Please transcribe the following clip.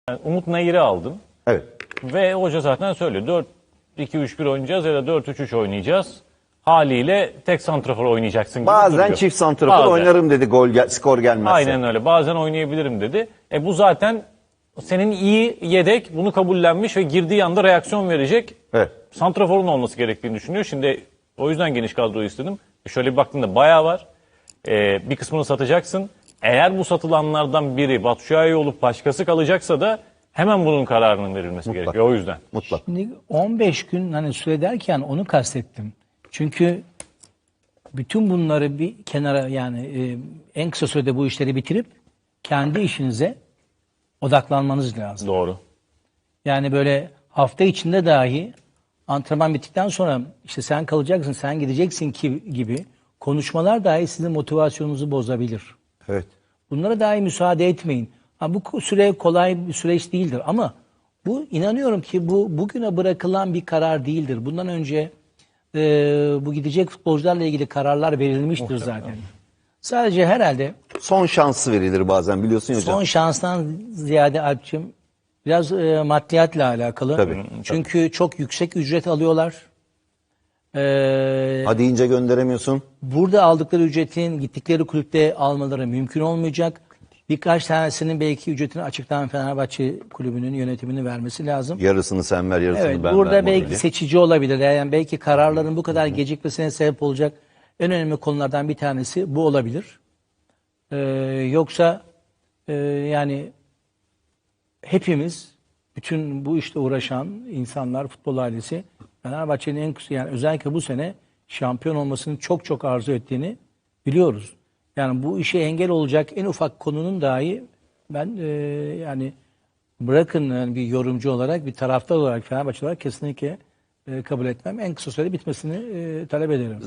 Yani Umut Nayir'i aldım Evet. ve hoca zaten söylüyor. 4-2-3-1 oynayacağız ya da 4-3-3 oynayacağız. Haliyle tek santrafor oynayacaksın gibi Bazen duruyor. çift santrafor Bazen. oynarım dedi skor gelmezse. Aynen öyle. Bazen oynayabilirim dedi. Bu zaten senin iyi yedek, bunu kabullenmiş ve girdiği anda reaksiyon verecek Evet. santraforun olması gerektiğini düşünüyor. Şimdi o yüzden geniş kadroyu istedim. Şöyle bir baktığında bayağı var. Bir kısmını satacaksın. Eğer bu satılanlardan biri Batshuayi olup başkası kalacaksa da hemen bunun kararının verilmesi gerekiyor. O yüzden. Mutlak. Şimdi 15 gün hani süre derken onu kastettim. Çünkü bütün bunları bir kenara yani en kısa sürede bu işleri bitirip kendi işinize odaklanmanız lazım. Doğru. Yani böyle hafta içinde dahi antrenman bittikten sonra işte sen kalacaksın, sen gideceksin gibi konuşmalar dahi sizin motivasyonunuzu bozabilir. Evet. Bunlara dahi müsaade etmeyin. Bu süre kolay bir süreç değildir ama bu inanıyorum ki bu bugüne bırakılan bir karar değildir. Bundan önce bu gidecek futbolcularla ilgili kararlar verilmiştir zaten. Sadece herhalde Son şansı verilir bazen biliyorsun ya hocam. son şanstan ziyade Alp'cığım biraz maddiyatla alakalı. Tabii. Çünkü çok yüksek ücret alıyorlar. Hadi ince gönderemiyorsun. Burada aldıkları ücretin gittikleri kulüpte almaları mümkün olmayacak. Birkaç tanesinin belki ücretini açıktan Fenerbahçe kulübünün yönetimini vermesi lazım. Yarısını sen ver, yarısını Evet, ben burada ver belki modeli. seçici olabilir. Yani belki kararların bu kadar gecikmesine sebep olacak en önemli konulardan bir tanesi bu olabilir. Yoksa yani hepimiz, bütün bu işte uğraşan insanlar, futbol ailesi, Fenerbahçe'nin yani özellikle bu sene şampiyon olmasını çok çok arzu ettiğini biliyoruz. Yani bu işe engel olacak en ufak konunun dahi ben yani bırakın yani bir yorumcu olarak, bir taraftar olarak, Fenerbahçe olarak kesinlikle kabul etmem. En kısa sürede bitmesini talep ederim.